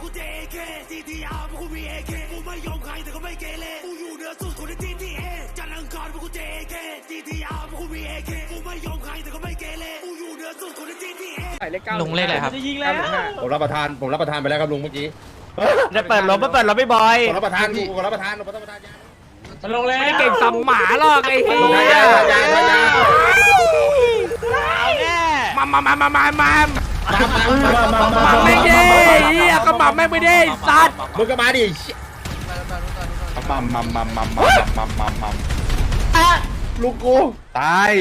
กูเจเคซีทีอาร์พวกกูมีเอเคกูไม่ยอมใครแต่ก็ไม่เกเรกูอยู่เหนือสุดคนในทีทีเอจันทร์อังคารพวกกูเจเคซีทีอาร์พวกกูมีเอเคกูไม่ยอมใครแต่ก็ไม่เกเรกูอยู่เหนือสุดคนในทีทีเอลุงเลขอะไรครับยิงแล้วผมรับประทานไปแล้วครับลุงเมื่อกี้จะเปิดรถไม่บอยผมรับประทานผมรับประทานยาลงเลยไม่ได้เก่งสัมหมาหรอกไอ้เหี้ยมาไม่ได้เหี้ยก็มาไม่ได้สัตว์มึงก็มาดิลูกกูตาย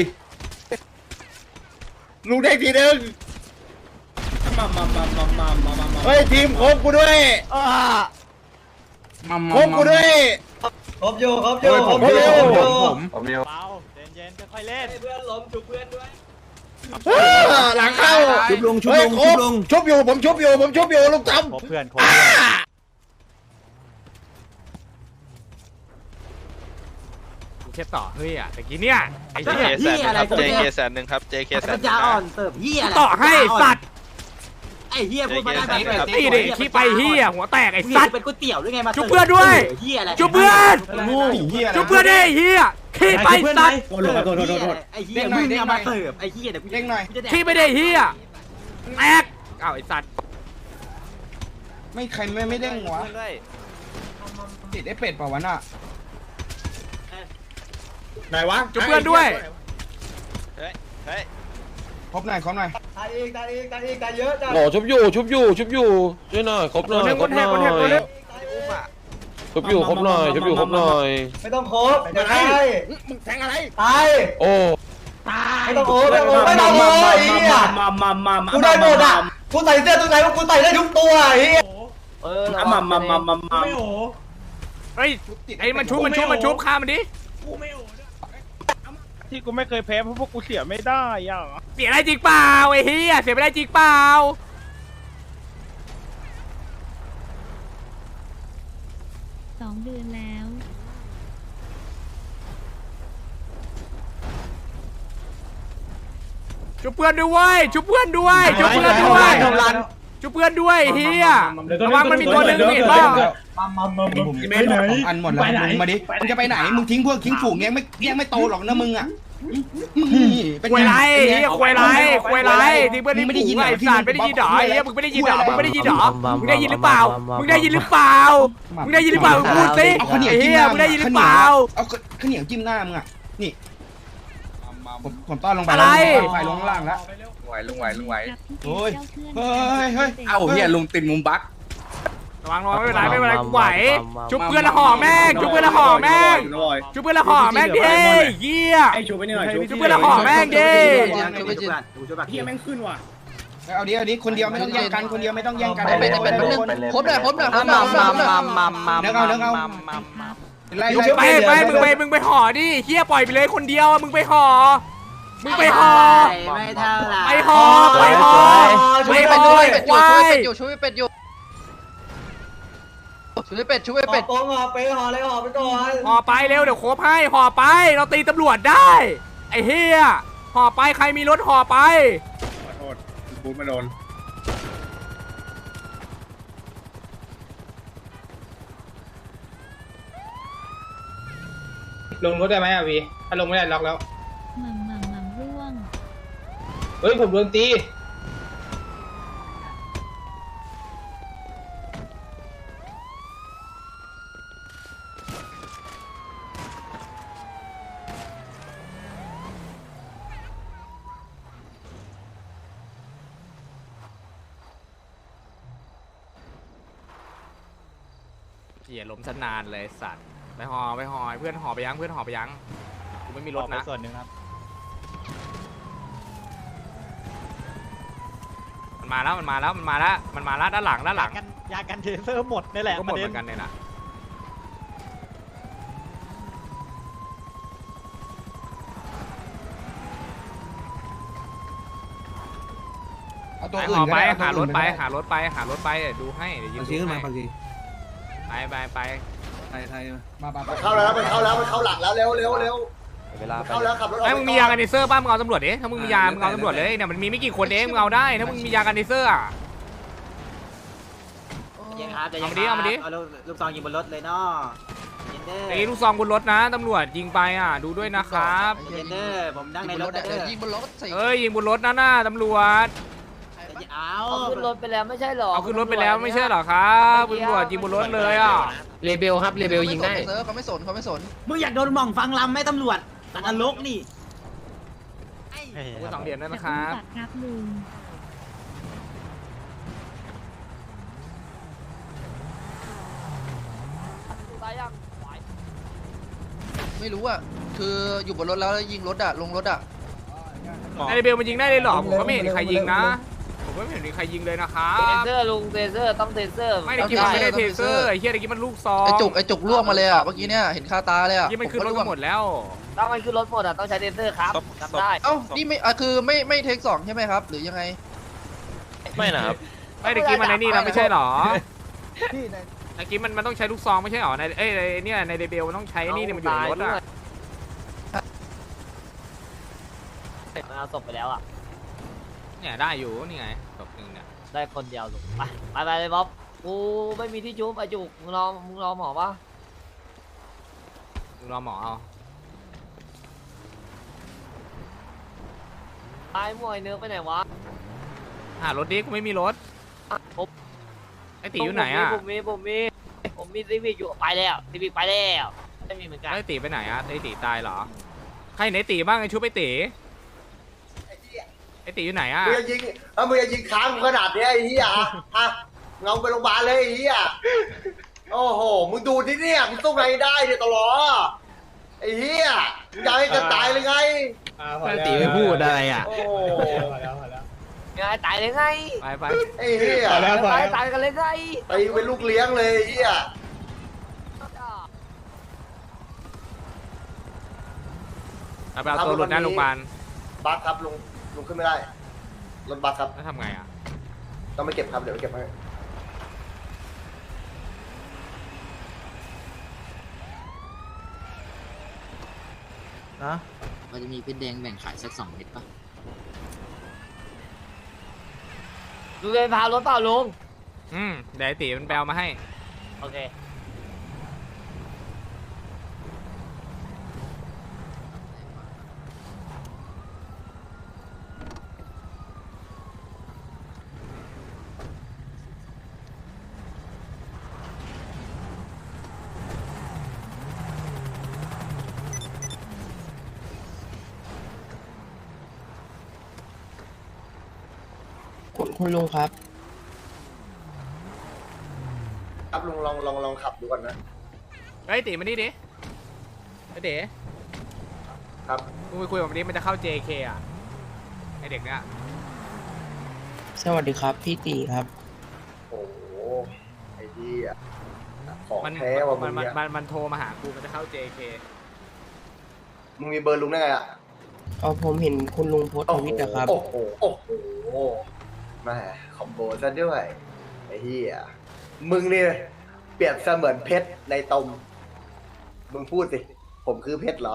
ลูกเด็กทีนึงเฮ้ยทีมครบกูด้วยครบกูด้วยครบอยู่ผมเร็วเย็นๆค่อยๆเล่นเพื่อนล้มจุกเพื่อนด้วยหลังเข้าชุบลงชุบอยู่ผมชุบอยู่ลูกจำครบเพื่อนเช็ดต่อเฮ้ยอ่ะตะกี้เนี่ยไอ้เหี้ย JK แสนหนึ่งครับ JK แสนปัญญาอ่อนเสิร์ฟเฮียอะไรต่อให้สัตว์ไอ้เฮียพูดมาได้แบบตีดิขี้ไปเฮียหัวแตกไอ้สัตว์เป็นก๋วยเตี๋ยวหรือไงมาชุบเพื่อนด้วยเฮียอะไรชุบเพื่อนชุบเพื่อนดิเฮียขี้ไปสัตว์โทษไอ้เฮียมึงเนี่ยมาเสิร์ฟไอ้เฮียเดี๋ยวกูเด้งหน่อยขี้ไม่ได้เฮียแตกอ้าวไอ้สัตว์ไม่ใครไม่เด้งวะติดไอ้เป็ดเปล่าวะน่ะไหนวะชุบเพื่อนด้วยเฮ้ยครบหน่อยตายอีกตายเยอะจ้ะหล่อชุบอยู่ช่วยหน่อยครบหน่อยชุบอยู่ครบหน่อยไม่ต้องโคบจะตายมึงแทงอะไรตายโอ้ไม่ต้องโคบไม่ต้องโคบไอ้เหี้ยกูได้หมดอ่ะกูใส่เสื้อตัวไหนกูใส่ได้ทุกตัวไอ้เหี้ยไม่โอ้เฮ้ยไอ้มันชุบฆ่ามันดิที่กูไม่เคยแพ้เพราะพวกกูเสียไม่ได้อ่ะเสียได้จริงเปล่าไอ้เฮียเสียไม่ได้จริงเปล่า 2 เดือนแล้วชุบเพื่อนด้วยชุบเพื่อนด้วยเฮียระวังมันมีตัวหนึ่งเห็นป่ะเมนอันหมดแล้วมึงมาดิมึงจะไปไหนมึงทิ้งฝูงยังไม่โตหรอกนะมึงอ่ะควยไรที่เพื่อนไม่ได้ยินไอ้สัตว์ไม่ได้ยินหรอไอ้เหี้ยมึงไม่ได้ยินหรอมึงได้ยินหรือเปล่าพูดสิไอ้เหี้ยมึงได้ยินหรือเปล่าเอาข้าวเหนียวจิ้มหน้ามึงอ่ะนี่ผมต้อนลงไปอะไรไฟลงล่างแล้วลุงไหวโอ้ยเฮ้ยเอาเฮียลุงติดมุมบักระวังไม่เป็นไรกูไหวชุบเพื่อนละห่อแม่งดิเหี้ยชุบเพื่อนละห่อแม่งดิพี่แม่งขึ้นว่ะเอาดิคนเดียวไม่ต้องแย่งกันเป็นครบเลยเนื้อเอามึงไปห่อดิเหี้ยปล่อยไปเลยคนเดียวมึงไปห่อไม่เท่าไหร่ไปห่อช่วยเป็ดอยู่ช่วยเป็ดปองไปห่อเลยห่อไปก่อนห่อไปเร็วเดี๋ยวโคบให้ห่อไปเราตีตำรวจได้ไอ้เหี้ยห่อไปใครมีรถห่อไปขอโทษบูทมาโดนลงรถได้ไหมอ่ะวีถ้าลงไม่ได้ล็อกแล้วหม่ำร่วงเฮ้ยผมโดนตีเหี้ยล้มซะนานเลยสัตว์ไปห่อเพื่อนห่อไปยังกูไม่มีรถนะส่วนหนึ่งครับมันมาแล้วด้านหลังยากันเทเซอร์หมดนี่แหละก็หมดเหมือนกันเนี่ยนะห่อไปหารถไปดูให้เดี๋ยวยืนดูให้ไปมาเข้าแล้วมันเข้าหลังแล้วเร็วเข้าแล้วขับรถออกไอ้มึงมียากันเทเซอร์ป่ะมึงเอาตำรวจดิถ้ามึงมียามึงเอาตำรวจเลยเนี่ยมันมีไม่กี่คนเองมึงเอาได้ถ้ามึงมียากันเทเซอร์ย็นครับใจเย็นเอามาดิเอาลูกซองยิงบนรถเลยเนาะเย็นเด้อตีลูกซองบนรถนะตำรวจยิงไปอ่ะดูด้วยนะครับเย็นเด้อผมนั่งในรถเด้อยิงบนรถใส่เอ้ยยิงบนรถนะตำรวจเอาขึ้นรถไปแล้วไม่ใช่หรอเอาขึ้นรถไปแล้วไม่ใช่เหรอครับตำรวจยิงบนรถเลยอ่ะเลเบลครับเลเบลยิงได้เขาไม่สนเขาไม่สนมึงอยากโดนหม่องฟังลำไหมตำรวจตัดนรกนี่สองเหรียญนั่นจะนะคอุ้มรับตัดครับลุงตายยังไม่รู้อ่ะคืออยู่บนรถแล้วยิงรถอ่ะลงรถอ่ะไอเบลมันยิงได้เลยเหรอผมก็ไม่เห็นใครยิงนะผมก็ไม่เห็นมีใครยิงเลยนะครัเทบเซอร์ลุงเทเซอร์ต้องเทเซอร์ไม่ได้กินมันไม่ได้เทเซอร์ไอ้เหี้ยไอ้กินมันลูกซองไอจุกล่วงมาเลยอ่ะเมื่อกี้เนี่ยเห็นคาตาเลยอ่ะยี่มันขึ้นรถกันหมดแล้วต้องมันขึ้นรถหมดอ่ะต้องใช้เทเซอร์ครับจำได้เอ้านี่ไม่คือไม่เทคสองใช่ไหมครับหรือยังไงไม่นะครับไม่ได้กินมันในนี่นะไม่ใช่เหรอไอ้กินมันต้องใช้ลูกซองไม่ใช่เหรอในเนี่ยในเดเบลมันต้องใช้นี่มันอยู่ในรถอ่ะเอาศพไปแล้วอ่ะเนี่ยได้อยู่นี่ไงศพหนึ่งเนี่ยได้คนเดียวลุงไปเลยบ๊อบกูไม่มีที่ชุบไอจุกมึงรอหมอปะรอหมอเอาตายมวยเนื้อไปไหนวะหารถดิกูไม่มีรถผมไอ้ตีอยู่ไหนอ่ะผมมีซีวิกอยู่ไปแล้วซีวิกไปแล้วไม่มีเหมือนกันไอ้ตีไปไหนอ่ะไอ้ตีตายเหรอใครไหนตีบ้างไอ้ชุบไอ้ตีไอ้ตีอยู่ไหนอ่ะมึงจะยิงมึงจะยิงค้างขนาดนี้ไอ้เหี้ยอ่ะเงาไปโรงพยาบาลเลยไอ้เหี้ยโอ้โหมึงดูที่เนี่ยมึงต้องไงได้เนี่ยตลอดไอ้เหี้ยมึงจะให้กันตายเลยไงไอ้ตีไม่พูดอะไรอ่ะโอ้ยังไงตายเลยไงไปไอ้เหี้ยตายกันเลยไงไปเป็นลูกเลี้ยงเลยไอ้เหี้ยไปเอาตัวหลุดหน้าโรงพยาบาลบัสครับลุงขึ้นไม่ได้รถบัสครับแล้วทำไงอ่ะต้องไปเก็บครับเดี๋ยวไปเก็บให้มันจะมีเพชรแดงแบ่งขายสัก2 เม็ดป่ะลุงเลยพารถเปล่าลุงเดี๋ยวไอ้ตีมันแปลมาให้โอเคคุณลุงครับครับลุงลองขับดูก่อนนะไอ้ตีมานี่ดิไอ้เด๋ครับมึงไปคุยกับมันดิมันจะเข้า JK อ่ะไอ้เด็กเนี้ยสวัสดีครับพี่ตีครับโอ้โหไอ้เหี้ยของมันแท้ว่ะมึงเนี่ยมันโทรมาหากูมันจะเข้า JK มึงมีเบอร์ลุงได้ไงอ่ะผมเห็นคุณลุงโพสต์ทวิตนะครับโอ้โหแม่คอมโบซะด้วยไอ้เหี้ยมึงนี่เปรียบเสมือนเพชรในตมมึงพูดสิผมคือเพชรเหรอ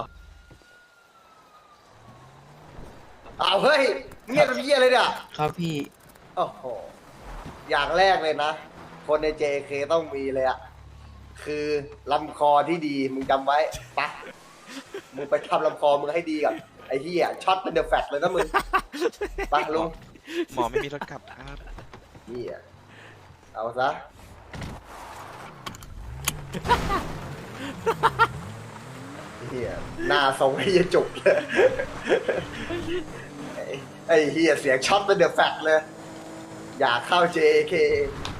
อ้าวเฮ้ยเงียบเป็นเหี้ยเลยเนี่ยครับพี่โอ้โหอย่างแรกเลยนะคนใน JK ต้องมีเลยอะคือลำคอที่ดีมึงจำไว้ปะมึงไปทำลำคอมึงให้ดีก่อนไอ้เหี้ยช็อตเป็นเดอะแฟตเลยนะมึงปะลุงหมอไม่มีรถกลับครับเหี้ยเอาซะเหี้ยหน้าทรงไอ้เหี้ยจุกเลยไอ้เหี้ยเสียงช็อตเป็นเดอะแฟตเลยอยากเข้า JK